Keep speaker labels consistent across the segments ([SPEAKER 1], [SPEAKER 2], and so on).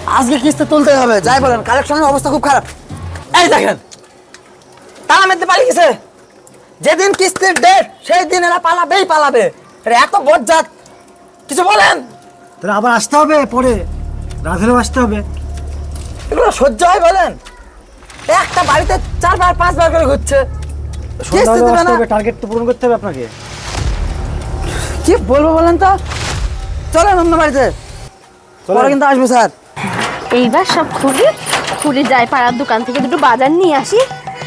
[SPEAKER 1] আজকে কিস্তি তুলতে হবে, যাই বলেন কালেকশনের অবস্থা খুব খারাপ। এই দেখেন তারা মেতে পালিয়ে গেছে। যেদিন কিস্তির ডেট সেই দিন এরা পালাবে। এরা এত বজ্জাত, কিছু বলেন।
[SPEAKER 2] তাহলে আবার আসতে হবে, পরে রাধেরও আসতে হবে।
[SPEAKER 1] এগুলো সহ্য হয় বলেন? একটা বাড়িতে 4বার 5বার করে ঘুরছে। কিস্তি দেবে না,
[SPEAKER 2] টার্গেট তো পূরণ করতে হবে আপনাকে।
[SPEAKER 1] কি বলবো বলেন তো? চলেন অন্য বাড়িতে, পরে কিন্তু আসবো স্যার।
[SPEAKER 3] এইবার সব খুলে যায় পাড়ার দোকান থেকে দুটো বাজার নিয়ে আসি।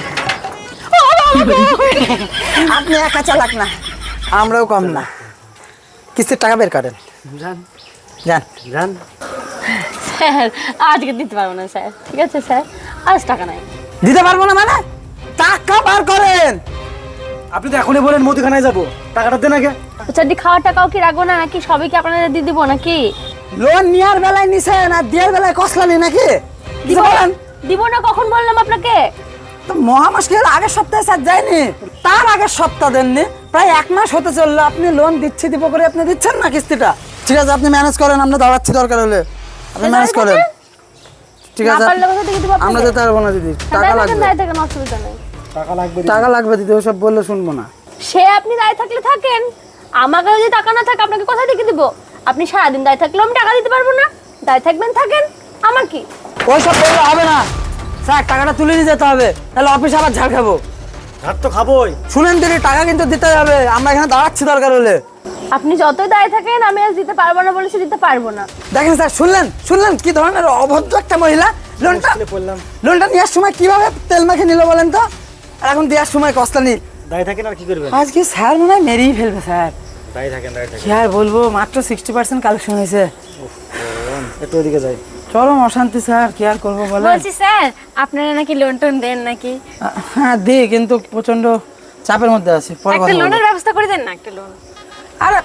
[SPEAKER 1] আপনি একা চালাক না, আমরাও কম না। কিস্তির টাকা বের করেন।
[SPEAKER 2] জান
[SPEAKER 1] যান
[SPEAKER 2] জান।
[SPEAKER 3] স্যার আজকে দিতে পারবো না স্যার, ঠিক আছে স্যার, আজ টাকা নাই।
[SPEAKER 1] দিতে পারবো না মানে? টাকা বার করেন।
[SPEAKER 2] আপনি তো এখনই বলেন মুদিখানায় যাবো, টাকাটা দেন আগে।
[SPEAKER 3] চারটি খাওয়ার টাকাও কি রাখবো না নাকি সবই কি আপনাদের দিয়ে দিবো নাকি?
[SPEAKER 1] লোন নেওয়ার বেলায় নিছেন আর দেওয়ার বেলায় কসলানি নাকি?
[SPEAKER 3] দিব
[SPEAKER 1] বলেন
[SPEAKER 3] দিব না কখন বললাম আপনাকে?
[SPEAKER 1] তো মহামাসের আগের সপ্তাহে স্যার যায়নি, তার আগের সপ্তাহ দেননি, প্রায় 1 মাস হতে চললো। আপনি লোন দিব করে আপনি দিচ্ছেন না কিস্তিটা। ঠিক আছে আপনি ম্যানেজ করেন, আমরা দাঁড়াচ্ছি দরকার হলে, আপনি ম্যানেজ করেন। ঠিক আছে আমরা যেতে পারবো না দিদি, টাকা লাগবে।
[SPEAKER 3] অসুবিধা নেই,
[SPEAKER 1] টাকা লাগবে দিদি, ওসব বললে শুনবো না।
[SPEAKER 3] সে আপনি দায় থাকলে থাকেন, আমাকে যদি টাকা না থাকে আপনাকে কোথায় থেকে দিব? আপনি সারাদিন দায় থাকলেও আমি টাকা দিতে পারবো না, দায় থাকবেন থাকেন, আমার কি?
[SPEAKER 1] ওইসব বললে হবে না স্যার, টাকাটা তুলে নিয়ে যেতে হবে, তাহলে অফিসে আবার ঝাড় খাবো।
[SPEAKER 2] ঝাড় তো খাবোই।
[SPEAKER 1] শুনেন দিদি, টাকা কিন্তু দিতে হবে, আমরা এখানে দাঁড়াচ্ছি দরকার হলে।
[SPEAKER 3] আপনি যতই দায় থাকেন আমি আজ দিতে পারবো না বলেছি, দিতে পারবো না।
[SPEAKER 1] দেখেন স্যার, শুনলেন কি ধরনের অভদ্র একটা মহিলা। লোনটা নেওয়ার সময় কিভাবে তেল মাখে নিল বলেন তো, আর এখন দেওয়ার সময় কস্তানি।
[SPEAKER 2] দায় থাকেন আর কি করবেন?
[SPEAKER 1] আজকে স্যার মনে হয় মেরেই ফেলবে স্যার।
[SPEAKER 2] দায় থাকেন।
[SPEAKER 1] কি আর বলবো, মাত্র 60% কালেকশন হয়েছে।
[SPEAKER 2] একটু ওদিকে যাই।
[SPEAKER 1] চরম অশান্তি স্যার, কি আর করবো বলেন।
[SPEAKER 3] বলছি স্যার আপনারা নাকি লোন টোন দেন নাকি?
[SPEAKER 1] হ্যাঁ দিই, কিন্তু প্রচন্ড চাপের মধ্যে আছি, পরে
[SPEAKER 3] একটা
[SPEAKER 1] কথা বলবো।
[SPEAKER 3] লোনের ব্যবস্থা করে দেন না, একটা লোন
[SPEAKER 1] আরে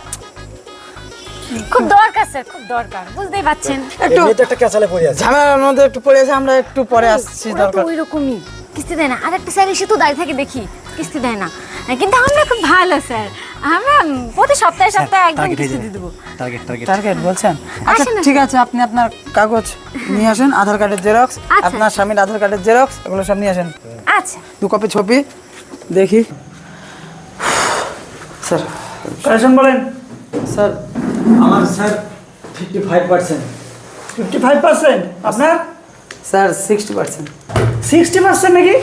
[SPEAKER 3] খুব দরকার স্যার, খুব দরকার, বুঝতেই পাচ্ছেন।
[SPEAKER 1] একটু
[SPEAKER 2] এমনিতে একটা ক্যাচালে পড়ে আছে।
[SPEAKER 1] ঝামেলার মধ্যে একটু পড়ে আছে, আমরা একটু পরে আসছি
[SPEAKER 3] ওরা তো
[SPEAKER 1] দরকার।
[SPEAKER 3] ওই রকমই কিস্তি দেয় না, আর একটা স্যার এসে তো দায় থাকে দেখি কিস্তি দেয় না, কিন্তু আমরা খুব ভালো স্যার, আমরা প্রতি সপ্তাহে একদম কিস্তি দিয়ে দেবো।
[SPEAKER 1] টার্গেট বলছেন? আচ্ছা
[SPEAKER 3] আসেন না।
[SPEAKER 1] ঠিক আছে, আপনি আপনার কাগজ নিয়ে আসেন, আধার কার্ডের জেরক্স,
[SPEAKER 3] আচ্ছা।
[SPEAKER 1] আপনার স্বামীর আধার কার্ডের জেরক্স, এগুলো সব নিয়ে আসেন।
[SPEAKER 3] আচ্ছা
[SPEAKER 1] 2 কপি ছবি দেখি। স্যার
[SPEAKER 2] কালেকশন বলেন।
[SPEAKER 1] স্যার
[SPEAKER 2] আমার স্যার 55%। 55%? আপনার
[SPEAKER 1] স্যার 60%।
[SPEAKER 2] 60% নাকি?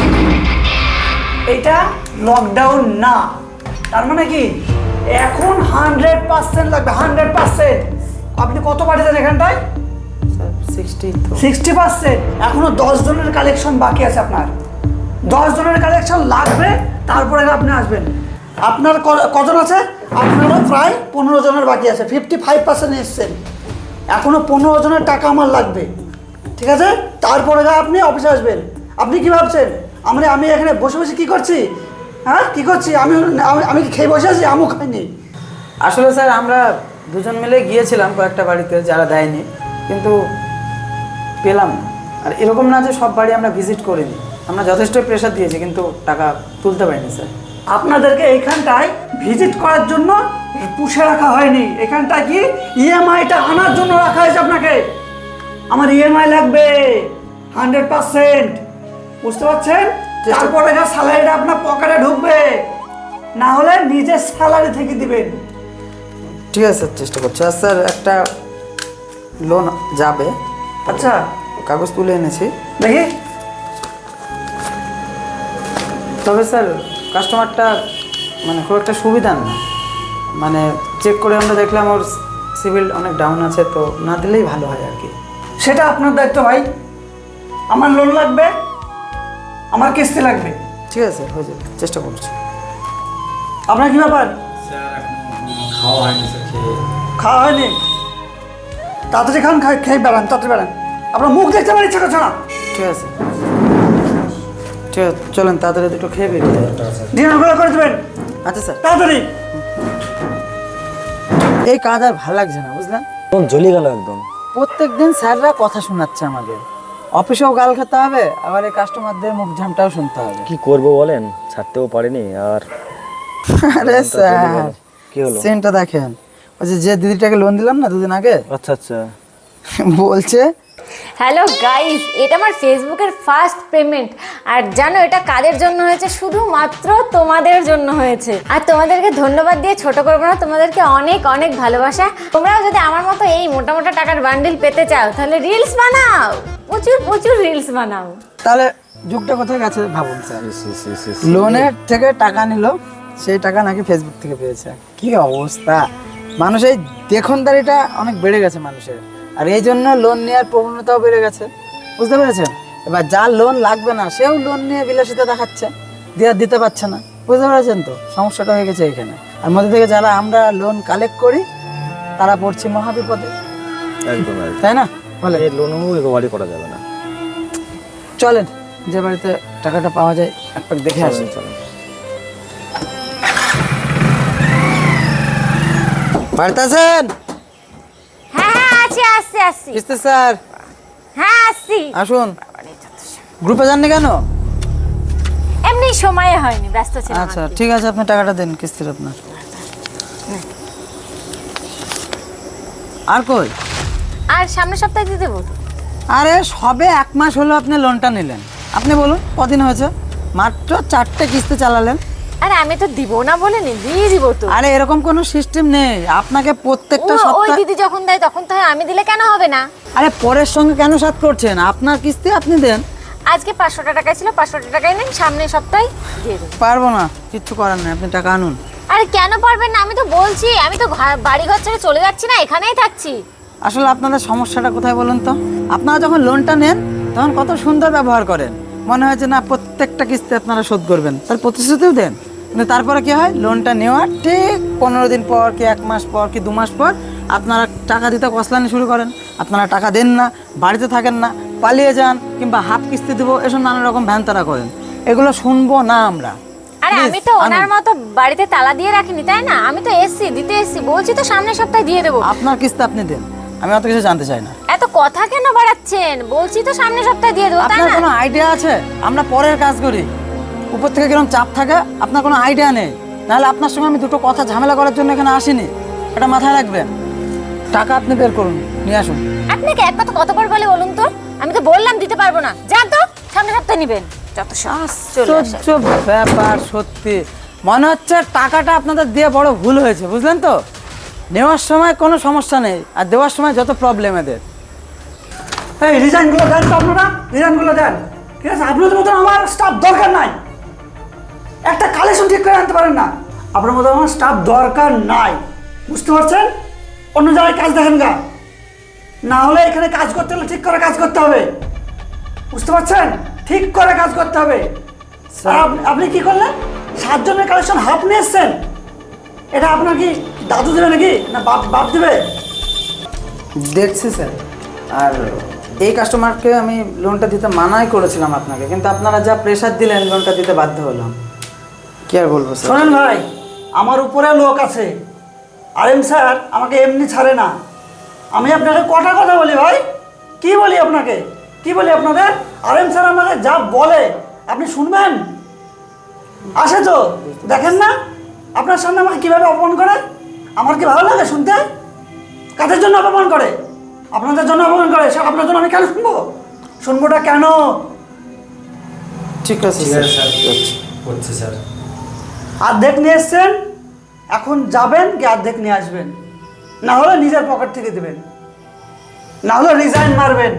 [SPEAKER 2] এটা লকডাউন না, তার মানে কি এখন 100% লাগবে, 100%। আপনি কত পাঠিয়েছেন এখানটায়?
[SPEAKER 1] স্যার 60 তো।
[SPEAKER 2] 60%। এখনো 10 জনের কালেকশন বাকি আছে আপনার। 10 জনের কালেকশন লাগবে, তারপরে আপনি আসবেন। আপনার কজন আছে? আপনারও প্রায় 15 জনের বাকি আছে, 55% এসছেন। এখনো 15 জনের টাকা আমার লাগবে, ঠিক আছে? তারপরে আপনি অফিসে আসবেন। আপনি কি ভাবছেন আমি এখানে বসে বসে কি করছি? হ্যাঁ কি করছি? আমি কি খেয়ে বসে আছি? আমিও খাইনি।
[SPEAKER 1] আসলে স্যার আমরা দুজন মিলে গিয়েছিলাম কয়েকটা বাড়িতে, যারা দেয়নি কিন্তু পেলাম না। আর এরকম না যে সব বাড়ি আমরা ভিজিট করিনি, আমরা যথেষ্ট প্রেশার দিয়েছি কিন্তু টাকা তুলতে পারিনি স্যার।
[SPEAKER 2] আপনাদেরকে এইখানটায় ভিজিট করার জন্য পুষে রাখা হয়নি, এখানটায় কি ইএমআইটা আনার জন্য রাখা হয়েছে আপনাকে। আমার ইএমআই লাগবে 100%, বুঝতে পারছেন? তারপরে স্যালারিটা আপনার পকেটে ঢুকবে, না হলে নিজের স্যালারি থেকে দিবেন।
[SPEAKER 1] ঠিক আছে স্যার, চেষ্টা করছি। আর স্যার একটা লোন যাবে,
[SPEAKER 2] আচ্ছা
[SPEAKER 1] কাগজ তুলে এনেছি।
[SPEAKER 2] দেখি।
[SPEAKER 1] তবে স্যার কাস্টমারটা মানে খুব একটা সুবিধার না, মানে চেক করে আমরা দেখলাম ওর সিভিল অনেক ডাউন আছে, তো না দিলেই ভালো হয় আর কি।
[SPEAKER 2] সেটা আপনার দায়িত্ব ভাই। আমার লোন লাগবে, আমার কিস্তি লাগবে।
[SPEAKER 1] ঠিক আছে হয়ে যাবে, চেষ্টা করছি।
[SPEAKER 2] আপনার কি ব্যাপার?
[SPEAKER 4] খাওয়া হয়নি স্যার,
[SPEAKER 2] খাওয়া হয়নি? তাড়াতাড়ি খান, খেয়ে বেড়ান, তাড়াতাড়ি বেড়ান। আপনার মুখ দেখতে পারি ছোটো ছোটো।
[SPEAKER 1] ঠিক আছে ঠিক আছে, চলেন তাড়াতাড়ি দুটো খেয়ে বেরিয়ে যাই।
[SPEAKER 2] ডিনারগুলো করে দেবেন
[SPEAKER 1] আচ্ছা স্যার।
[SPEAKER 2] তাড়াতাড়ি।
[SPEAKER 1] এই কাজ আর ভালো লাগছে না বুঝলেন,
[SPEAKER 4] জ্বলিয়ে গেল একদম।
[SPEAKER 1] প্রত্যেকদিন স্যাররা কথা শোনাচ্ছে আমাদের, অফিসেও গাল খেতে হবে, আবার এই কাস্টমারদের মুখ ঝামটাও শুনতে হবে।
[SPEAKER 4] কি করবো বলেন, ছাড়তেও পারিনি। আর
[SPEAKER 1] আরে স্যার
[SPEAKER 4] কি হলো?
[SPEAKER 1] সেন্টটা দেখেন, ওই যে দিদিটাকে লোন দিলাম না 2 দিন আগে,
[SPEAKER 4] আচ্ছা আচ্ছা।
[SPEAKER 1] বলছে
[SPEAKER 5] হ্যালো গাইস, এটা আমার ফেসবুকের ফার্স্ট পেমেন্ট। আর জানো এটা কাদের জন্য হয়েছে? শুধুমাত্র তোমাদের জন্য হয়েছে। আর তোমাদেরকে ধন্যবাদ দিয়ে ছোট করবো না, তোমাদেরকে অনেক অনেক ভালোবাসা। তোমরাও যদি আমার মতো এই মোটা মোটা টাকার বান্ডিল পেতে চাও তাহলে রিলস বানাও, প্রচুর প্রচুর রিলস বানাও।
[SPEAKER 1] তাহলে যুগটা কোথায় গেছে ভাবুন স্যার। লোনের থেকে টাকা নিল, সেই টাকা নাকি ফেসবুক থেকে পেয়েছে। কি অবস্থা! মানুষ এই দেখনদারিটা অনেক বেড়ে গেছে মানুষের, আর এই জন্য লোন নেওয়ার প্রবণতাও বেড়ে গেছে, বুঝতে পেরেছেন? এবার যার লোন লাগবে না সেও লোন নিয়ে বিলাসিতা দেখাচ্ছে, দিতে পারছে না, বুঝতে পেরেছেন তো? সমস্যাটা হয়ে গেছে এখানে। আর মধ্যে থেকে যারা আমরা লোন কালেক্ট করি তারা পড়ছি মহাবিপদে,
[SPEAKER 4] একদম
[SPEAKER 1] তাই না? বলে
[SPEAKER 4] এই লোনও রিকভারি করা যাবে না।
[SPEAKER 1] চলেন যে বাড়িতে টাকাটা পাওয়া যায় একবার দেখে আসি।
[SPEAKER 4] চলেন।
[SPEAKER 1] বাড়িতে আছেন?
[SPEAKER 5] হ্যাঁ হ্যাঁ আছি, আসছি আসছি।
[SPEAKER 1] কিস্তি স্যার
[SPEAKER 5] হ্যাঁ আসছি।
[SPEAKER 1] আসুন। গ্রুপে যাননি কেন?
[SPEAKER 5] এমনি সময় হয়নি, ব্যস্ত ছিলাম।
[SPEAKER 1] আচ্ছা ঠিক আছে, আপনি টাকাটা দেন কিস্তির আপনার। আর কই?
[SPEAKER 5] আর সামনের সপ্তাহে দিয়ে দেবো।
[SPEAKER 1] আরে সবে 1 মাস হলো আপনি লোনটা নিলেন। আপনি বলুন কদিন হয়েছে? মাত্র 4টে কিস্তি চালালেন।
[SPEAKER 5] আরে আমি তো দিব না বলিনি, দিয়ে দিব তো।
[SPEAKER 1] আরে এরকম কোনো সিস্টেম নেই, আপনাকে প্রত্যেকটা
[SPEAKER 5] ওই
[SPEAKER 1] সপ্তাহে।
[SPEAKER 5] দিদি যখন দেয় তখন তো হয়, আমি দিলে কেন হবে না?
[SPEAKER 1] আরে পরের সঙ্গে কেন সাথ করছেন? আপনার কিস্তি আপনি দেন।
[SPEAKER 5] আজকে 500 টাকা ছিল, 500 টাকাই নেন, সামনের সপ্তাহে দিয়ে দেবো।
[SPEAKER 1] পারবো না, কিচ্ছু করার নেই, আপনি টাকা আনুন।
[SPEAKER 5] আরে কেন পারবেন না? আমি তো বলছি, আমি তো বাড়ি ঘর ছেড়ে চলে যাচ্ছি না, এখানেই থাকছি।
[SPEAKER 1] আসলে আপনাদের সমস্যাটা কোথায় বলুন তো? আপনারা যখন লোনটা নেন তখন কত সুন্দর ব্যবহার করেন, মনে হয় যে না প্রত্যেকটা কিস্তি আপনারা শোধ করবেন, তার প্রতিশ্রুতিও দেন। কিন্তু তারপরে কি হয়? লোনটা নেওয়ার ঠিক 15 দিন পর কি 1 মাস পর কি 2 মাস পর আপনারা টাকা দিতে কসলানি শুরু করেন। আপনারা টাকা দেন না, বাড়িতে থাকেন না, পালিয়ে যান, কিংবা হাফ কিস্তি দেবো, এসব নানা রকম ভ্যানতারা করেন। এগুলো শুনবো না আমরা।
[SPEAKER 5] আরে
[SPEAKER 1] Please,
[SPEAKER 5] আমি তো ওনার
[SPEAKER 1] আনুন।
[SPEAKER 5] মতো বাড়িতে তালা দিয়ে রাখিনি, তাই না? আমি তো এসছি, দিতে এসছি, বলছি তো সামনের সপ্তাহে দিয়ে দেবো।
[SPEAKER 1] আপনার কিস্তি আপনি দেন, আমি অত কিছু জানতে চাই না।
[SPEAKER 5] এত কথা কেন বাড়াচ্ছেন? বলছি তো সামনের সপ্তাহে দিয়ে দেবো, তাই
[SPEAKER 1] আপনার
[SPEAKER 5] না?
[SPEAKER 1] কোনো আইডিয়া আছে? আমরা পরের কাজ করি, উপর থেকে কিরকম চাপ থাকে আপনার কোনো আইডিয়া নেই। নাহলে আপনার সঙ্গে আমি দুটো কথা ঝামেলা করার জন্য এখানে আসিনি, এটা মাথায় রাখবেন। টাকা আপনি বের করুন, নিয়ে আসুন।
[SPEAKER 5] আপনাকে এক কথা কতবার বলে বলুন তো? আমি তো বললাম দিতে পারবো না, যান তো, সামনের সপ্তাহে নেবেন। যত সাহস চলে আসে।
[SPEAKER 1] আশ্চর্য ব্যাপার, সত্যি মনে হচ্ছে টাকাটা আপনাদের দিয়ে বড় ভুল হয়েছে, বুঝলেন তো? নেওয়ার সময় কোনো সমস্যা নেই, আর দেওয়ার সময় যত প্রবলেম এদের।
[SPEAKER 2] এই রিজাইনগুলো দেন তো আপনারা, রিজাইনগুলো দেন। ঠিক আছে, আপনাদের মতন আমার স্টাফ দরকার নাই। একটা কালেকশন ঠিক করে আনতে পারেন না, আপনার মতো আমার স্টাফ দরকার নাই, বুঝতে পারছেন? অন্য জায়গায় কাজ দেখেন গা, না হলে এখানে কাজ করতে হলে ঠিক করে কাজ করতে হবে, বুঝতে পারছেন? ঠিক করে কাজ করতে হবে। আর আপনি কি করলেন? 7 জনের কালেকশন হাফ নিয়ে এসছেন। এটা আপনার কি দাদু দেবে নাকি, না বাপ দেবে?
[SPEAKER 1] দেখছি স্যার, আর এই কাস্টমারকে আমি লোনটা দিতে মানাই করেছিলাম আপনাকে, কিন্তু আপনারা যা প্রেশার দিলেন লোনটা দিতে বাধ্য হলাম। কি আর বলবো স্যার।
[SPEAKER 2] শোনেন ভাই, আমার উপরে লোক আছে, আরএম স্যার আমাকে এমনি ছাড়ে না। আমি আপনাকে কটা কথা বলি ভাই, কি বলি আপনাকে, কি বলি আপনাদের? আরএম স্যার আমাকে যা বলে আপনি শুনবেন? আসে তো দেখেন না আপনার সামনে আমাকে কীভাবে অপমান করে। আমার কি ভালো লাগে শুনতে? কাদের জন্য অপমান করে? আপনাদের জন্য অপমান করে। সে আপনার জন্য আমি কেন শুনবো? শুনবোটা কেন?
[SPEAKER 1] ঠিক আছে
[SPEAKER 4] ঠিক
[SPEAKER 1] স্যার,
[SPEAKER 4] আছে স্যার, করছি স্যার।
[SPEAKER 2] অর্ধেক নিয়ে এসছেন, এখন যাবেন কি অর্ধেক নিয়ে আসবেন, না হলে নিজের পকেট থেকে দেবেন, না হলে রিজাইন মারবেন।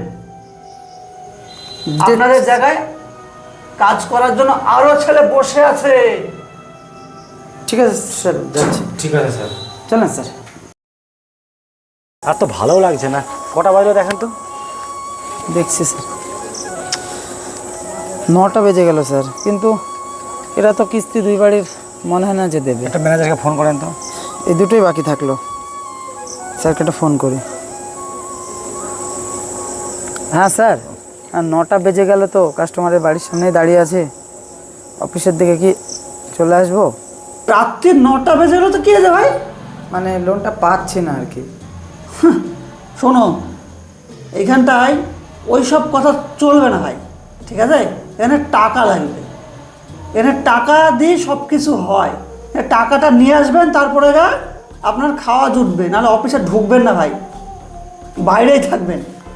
[SPEAKER 2] আপনাদের জায়গায় কাজ করার জন্য আরো ছেলে বসে আছে।
[SPEAKER 1] ঠিক আছে স্যার, যাচ্ছি।
[SPEAKER 4] ঠিক আছে স্যার।
[SPEAKER 1] চলেন স্যার।
[SPEAKER 4] আর তো ভালো লাগছে না, কটা বাজলো দেখেন তো।
[SPEAKER 1] দেখছি স্যার, 9টা বেজে গেল স্যার, কিন্তু এরা তো কিস্তি 2 বাড়ির মনে হয় না যে দেবে।
[SPEAKER 4] একটা ম্যানেজারকে ফোন করেন তো।
[SPEAKER 1] এই দুটোই বাকি থাকলো, স্যারকে একটা ফোন করি। হ্যাঁ স্যার, আর 9টা বেজে গেল তো, কাস্টমারের বাড়ির সামনেই দাঁড়িয়ে আছে, অফিসের দিকে কি চলে আসবো?
[SPEAKER 2] রাত্রি 9টা বেজে গেলো তো কি আছে ভাই?
[SPEAKER 1] মানে লোনটা পাচ্ছি না আর কি।
[SPEAKER 2] শোনো, এইখানটায় ওই সব কথা চলবে না ভাই, ঠিক আছে? এখানে টাকা লাগবে, এখানে টাকা দিয়ে সব কিছু হয়। টাকাটা নিয়ে আসবেন, তারপরে আপনার খাওয়া জুটবে, নাহলে অফিসে ঢুকবেন না ভাই। বাইরেই থাকবেন।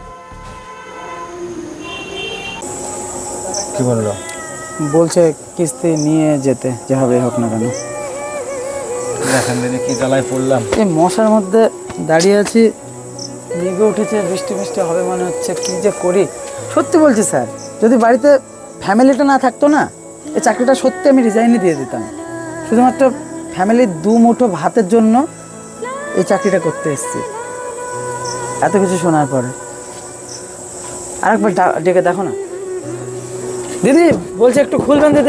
[SPEAKER 4] কি বললো?
[SPEAKER 1] বলছে কিস্তি নিয়ে যেতে যেভাবে হোক না কেন।
[SPEAKER 4] দেখেন দিদি কি জ্বালায় পড়লাম।
[SPEAKER 1] এই মশার মধ্যে দাঁড়িয়ে আছি, মেঘে উঠেছে, বৃষ্টি বৃষ্টি হবে মনে হচ্ছে, কী যে করি। সত্যি বলছি স্যার, যদি বাড়িতে ফ্যামিলিটা না থাকতো না, এই চাকরিটা সত্যি আমি রিজাইনই দিয়ে দিতাম। শুধুমাত্র ফ্যামিলির দু মুঠো ভাতের জন্য এই চাকরিটা করতে এসেছি। এত কিছু শোনার পরে আরেকবার ডেকে দেখো না। দিদি বলছে একটু খুলবেন দিদি।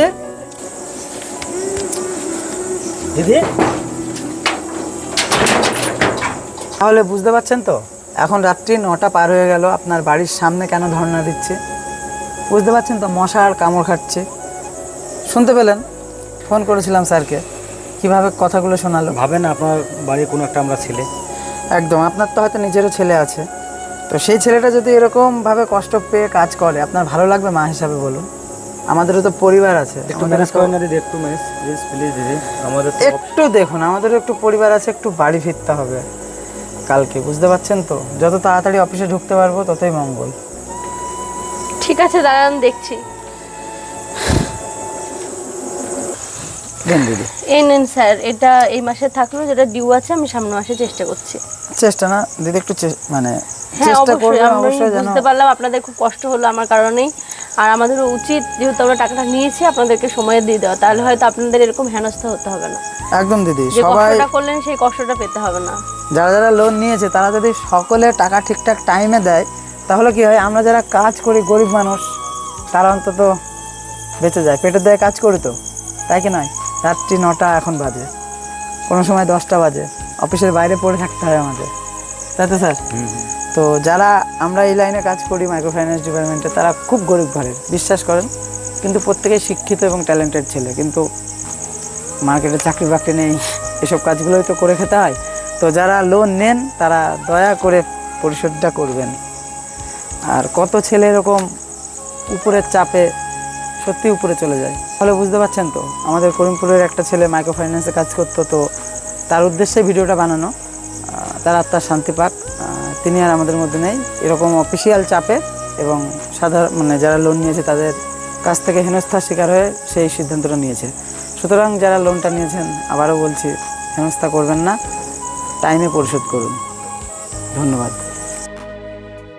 [SPEAKER 1] দিদি তাহলে বুঝতে পারছেন তো, এখন রাত্রি 9টা পার হয়ে গেল, আপনার বাড়ির সামনে কেন ধর্ণা দিচ্ছে? বুঝতে পারছেন তো, মশা আর কামড় খাচ্ছে। শুনতে পেলেন? ফোন করেছিলাম স্যারকে, কিভাবে কথাগুলো শোনালো।
[SPEAKER 4] ভাবেন আপনার বাড়ির কোনো একটা আমরা ছেলে।
[SPEAKER 1] একদম, আপনার তো হয়তো নিজেরও ছেলে আছে, তো সেই ছেলেটা যদি এরকমভাবে কষ্ট পেয়ে কাজ করে, আপনার ভালো লাগবে মা হিসাবে বলুন? আমাদেরও তো পরিবার আছে।
[SPEAKER 4] একটু ম্যানেজ করেন না দিদি, একটু ম্যানেজ প্লিজ প্লিজ দিদি। আমাদের তো
[SPEAKER 1] একটু দেখুন, আমাদেরও একটু পরিবার আছে, একটু বাড়ি ফিরতে হবে কালকে, বুঝতে পারছেন তো? যত তাড়াতাড়ি অফিসে ঢুকতে পারবো ততই মঙ্গল।
[SPEAKER 3] ঠিক আছে দাঁড়ান, দেখছি।
[SPEAKER 1] দেন দিদি।
[SPEAKER 3] এই নেন স্যার, এটা এই মাসে থাকলো, যেটা ডিউ আছে আমি সামনে মাসে চেষ্টা করছি।
[SPEAKER 1] চেষ্টা না দিদি, একটু মানে
[SPEAKER 3] হ্যাঁ
[SPEAKER 1] চেষ্টা
[SPEAKER 3] অবশ্যই,
[SPEAKER 1] করবেন
[SPEAKER 3] আমি
[SPEAKER 1] অবশ্যই যেন।
[SPEAKER 3] বুঝতে পারলাম আপনাদের খুব কষ্ট হলো আমার কারণেই, আর আমাদেরও উচিত যেহেতু আমরা টাকাটা নিয়েছি আপনাদেরকে সময় দিয়ে দেওয়া, তাহলে হয়তো আপনাদের এরকম হেনস্থা হতে হবে না।
[SPEAKER 1] একদম দিদি,
[SPEAKER 3] যে
[SPEAKER 1] সবাই
[SPEAKER 3] কষ্টটা করলেন সেই কষ্টটা পেতে হবে না।
[SPEAKER 1] যারা যারা লোন নিয়েছে তারা যদি সকলে টাকা ঠিকঠাক টাইমে দেয়, তাহলে কি হয়, আমরা যারা কাজ করি গরিব মানুষ তারা অন্তত বেঁচে যায়। পেটের দায়ে কাজ করি তো, তাই কি নয়? রাত্রি 9টা এখন বাজে, কোনো সময় 10টা বাজে, অফিসের বাইরে পড়ে থাকতে হয় আমাদের, তাই তো স্যার? তো যারা আমরা এই লাইনে কাজ করি মাইক্রো ফাইন্যান্স ডিপার্টমেন্টে, তারা খুব গরিব ঘরের, বিশ্বাস করেন, কিন্তু প্রত্যেকেই শিক্ষিত এবং ট্যালেন্টেড ছেলে, কিন্তু মার্কেটে চাকরি বাকরি নেই, এসব কাজগুলোই তো করে খেতে হয়। তো যারা লোন নেন তারা দয়া করে পরিশোধটা করবেন। আর কত ছেলে এরকম উপরের চাপে সত্যি উপরে চলে যায়। ফলে বুঝতে পারছেন তো, আমাদের করিমপুরের একটা ছেলে মাইক্রো ফাইন্যান্সে কাজ করতো, তো তার উদ্দেশ্যে ভিডিওটা বানানো। তার আত্মার শান্তি পাক, তিনি আর আমাদের মধ্যে নেই। এরকম অফিসিয়াল চাপে এবং সাধারণ মানে যারা লোন নিয়েছে তাদের কাছ থেকে হেনস্থার শিকার হয়ে সেই সিদ্ধান্তটা নিয়েছে। সুতরাং যারা লোনটা নিয়েছেন, আবারও বলছি, হেনস্থা করবেন না, টাইমে পরিশোধ করুন। ধন্যবাদ।